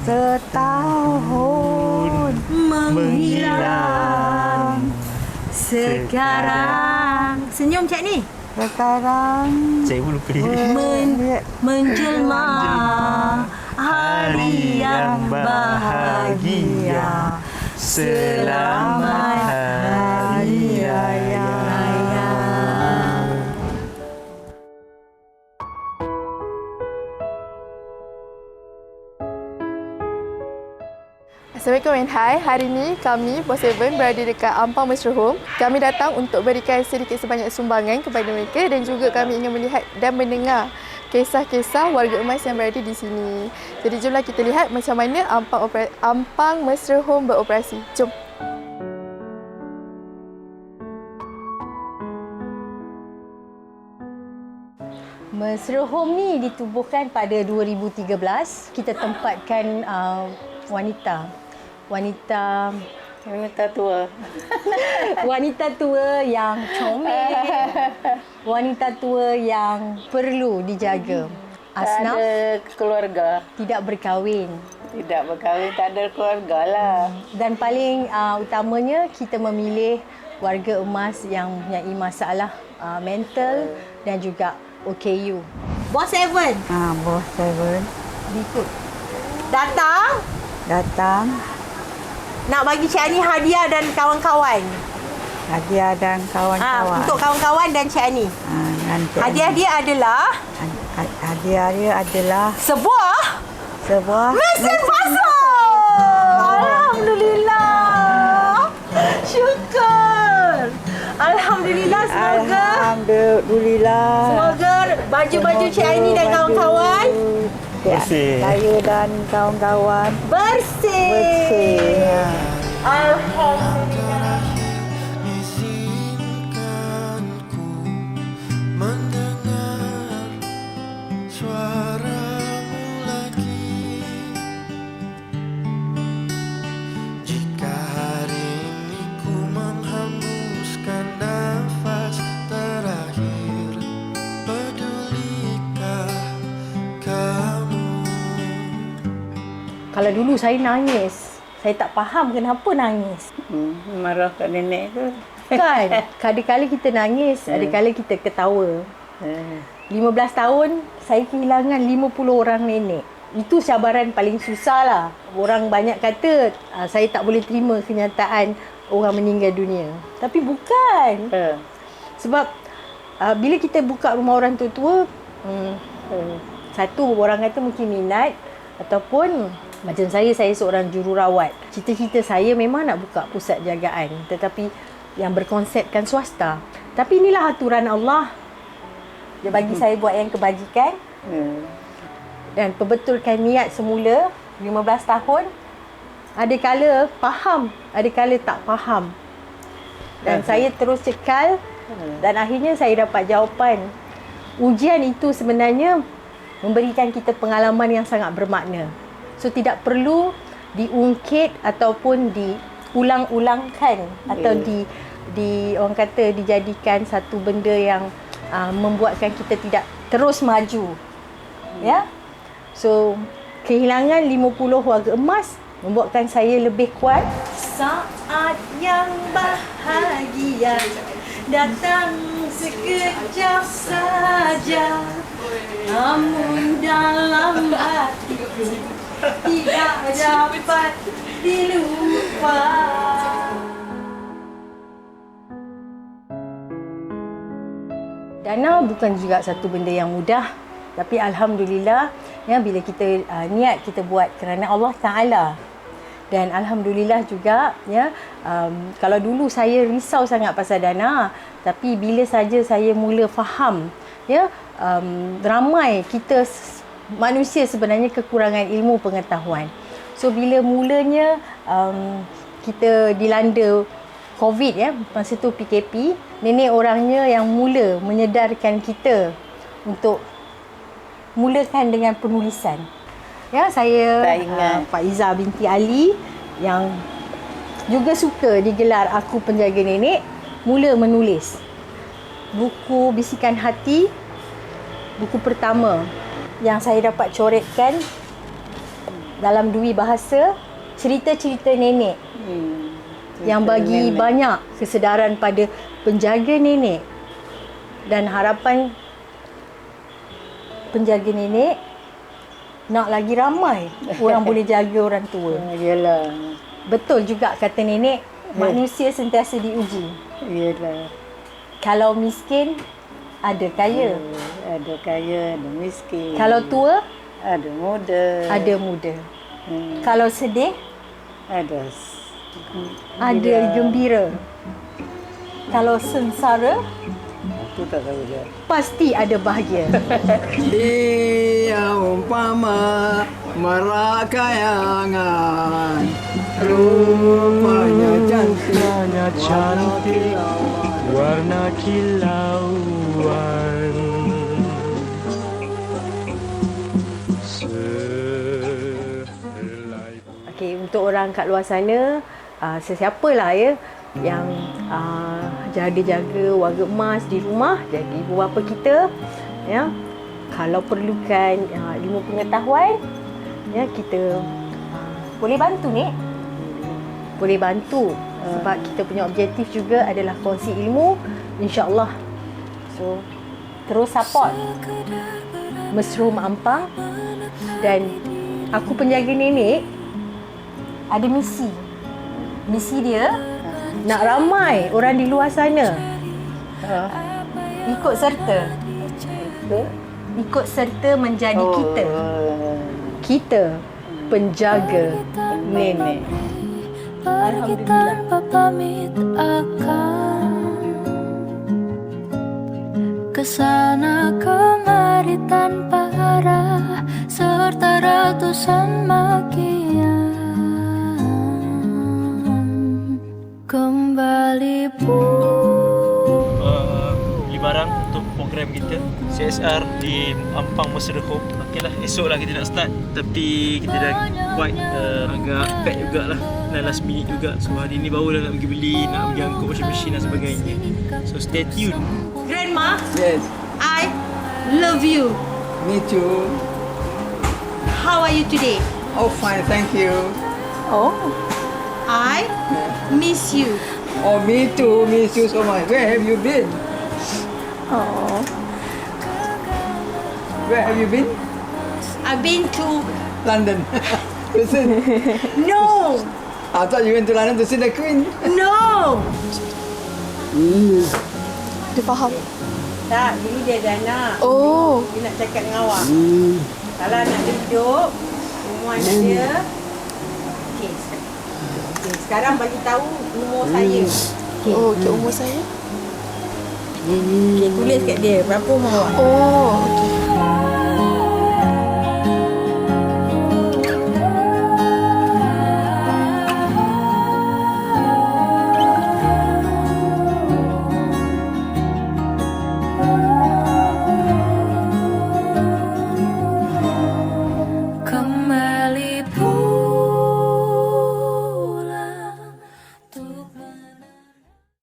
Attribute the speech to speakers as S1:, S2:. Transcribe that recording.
S1: setahun menghilang.
S2: Sekarang senyum Cik ni.
S1: Sekarang
S3: Cikgu lupa
S2: Menjelma hari yang bahagia.
S3: Selamat Hari Raya.
S4: Assalamualaikum and hai. Hari ini kami, Boss Seven, berada dekat Ampang Mesra Home. Kami datang untuk berikan sedikit sebanyak sumbangan kepada mereka dan juga kami ingin melihat dan mendengar kisah-kisah warga emas yang berada di sini. Jadi jomlah kita lihat macam mana Ampang Mesra Home beroperasi. Jom.
S2: Mesra Home ni ditubuhkan pada 2013. Kita tempatkan wanita tua. Wanita tua yang comel. Wanita tua yang perlu dijaga. Asnaf,
S1: tak ada keluarga.
S2: tidak berkahwin.
S1: Tidak berkahwin, tak ada keluarga lah.
S2: Dan paling utamanya kita memilih warga emas yang mempunyai masalah mental dan juga OKU. Boss Seven.
S1: Boss Seven
S2: Ikut. Datang nak bagi Cik Ani hadiah dan kawan-kawan.
S1: hadiah dan kawan-kawan.
S2: Untuk kawan-kawan dan Cik Ani. Hadiah dia adalah sebuah mesin pasang. Alhamdulillah. Syukur. Alhamdulillah, semoga baju-baju Cik Aini dan kawan-kawan
S3: Bersih.
S1: Saya dan kawan-kawan
S2: bersih. Alhamdulillah.
S5: Izinkanku mendengar suaramu lagi. Jika hari ini ku menghembuskan nafas terakhir, pedulikah kamu?
S2: Kalau dulu saya nangis, saya tak faham kenapa nangis.
S1: marah kat nenek tu.
S2: Kan? Kadang-kadang kita nangis, kadang-kadang kita ketawa. 15 tahun, saya kehilangan 50 orang nenek. Itu cabaran paling susah lah. Orang banyak kata, saya tak boleh terima kenyataan orang meninggal dunia. Tapi bukan. Sebab, bila kita buka rumah orang tua-tua, satu, orang kata mungkin minat. Ataupun, macam saya seorang jururawat. Cita-cita saya memang nak buka pusat jagaan. Tetapi, yang berkonsepkan swasta. Tapi inilah aturan Allah. Dia bagi saya buat yang kebajikan. Dan perbetulkan niat semula 15 tahun. Ada kala faham, ada kala tak faham. Dan saya terus cekal dan akhirnya saya dapat jawapan. Ujian itu sebenarnya memberikan kita pengalaman yang sangat bermakna. So tidak perlu diungkit ataupun diulang-ulangkan atau di orang kata dijadikan satu benda yang membuatkan kita tidak terus maju. Ya. So kehilangan 50 warga emas membuatkan saya lebih kuat. Saat yang bahagia datang sekejap saja, namun dalam hatiku tidak dapat dilupa. Dana bukan juga satu benda yang mudah, tapi alhamdulillah ya, bila kita niat kita buat kerana Allah Taala. Dan alhamdulillah juga ya, kalau dulu saya risau sangat pasal dana, tapi bila saja saya mula faham ya, ramai kita manusia sebenarnya kekurangan ilmu pengetahuan. So bila mulanya kita dilanda COVID ya, masa tu PKP, nenek orangnya yang mula menyedarkan kita untuk mulakan dengan penulisan. Ya, saya Pak Iza binti Ali yang juga suka digelar Aku Penjaga Nenek, mula menulis buku Bisikan Hati, buku pertama yang saya dapat coretkan dalam dui bahasa cerita-cerita nenek yang bagi banyak kesedaran pada penjaga nenek dan harapan penjaga nenek nak lagi ramai orang boleh jaga orang tua.
S1: Yelah.
S2: Betul juga kata nenek, manusia sentiasa diuji.
S1: Yelah.
S2: Kalau miskin, ada kaya.
S1: Ada kaya, ada miskin.
S2: Kalau tua,
S1: ada muda.
S2: ada muda. Kalau sedih,
S1: Ada.
S2: ada gembira. Kalau sengsara,
S1: Aku tak tahu dia.
S2: pasti ada bahagia.
S6: Dia umpama merak kayangan, rupanya cantik,
S3: warna kilauan.
S2: Okey, untuk orang kat luar sana, sesiapalah ya yang jaga-jaga warga emas di rumah, jadi ibu bapa kita, ya, kalau perlukan ilmu pengetahuan, ya, kita boleh bantu ni. Boleh bantu sebab kita punya objektif juga adalah kongsi ilmu, insya-Allah. So, terus support Mesrum Ampang, dan aku penjaga nenek ada misi. Misi dia nak ramai orang di luar sana ikut serta. Ikut serta menjadi kita. Kita penjaga nenek.
S7: Pergi tanpa pamit akan kesana kemari tanpa arah serta ratusan makian. Kembali
S3: Beli barang untuk program kita CSR di Ampang Mesra Home. Okeylah, esoklah kita nak start, tapi kita dah quite agak pack jugalah, dan last minute juga. So hari ni barulah nak pergi beli, nak pergi angkut washing machine dan sebagainya. So stay tune.
S2: Grandma,
S6: Yes,
S2: I love you.
S6: me too.
S2: How are you today?
S6: Oh, fine, thank you.
S1: Oh.
S2: I miss you.
S6: Oh, me too, miss you so much. Where have you been?
S1: Oh.
S6: Where have you been?
S2: I've been to
S6: London. Listen,
S2: no,
S6: I thought you went to London to see the Queen.
S2: no.
S4: Dia faham.
S2: Tak, dulu dia dah nak.
S4: Oh.
S2: Dia nak cakap dengan awak. Kalau nak duduk, rumah dia. Okey. Okay, sekarang bagi tahu umur saya.
S4: Oh, okay, umur saya.
S2: Okay, tulis kat dia berapa umur awak.
S4: Oh, okey.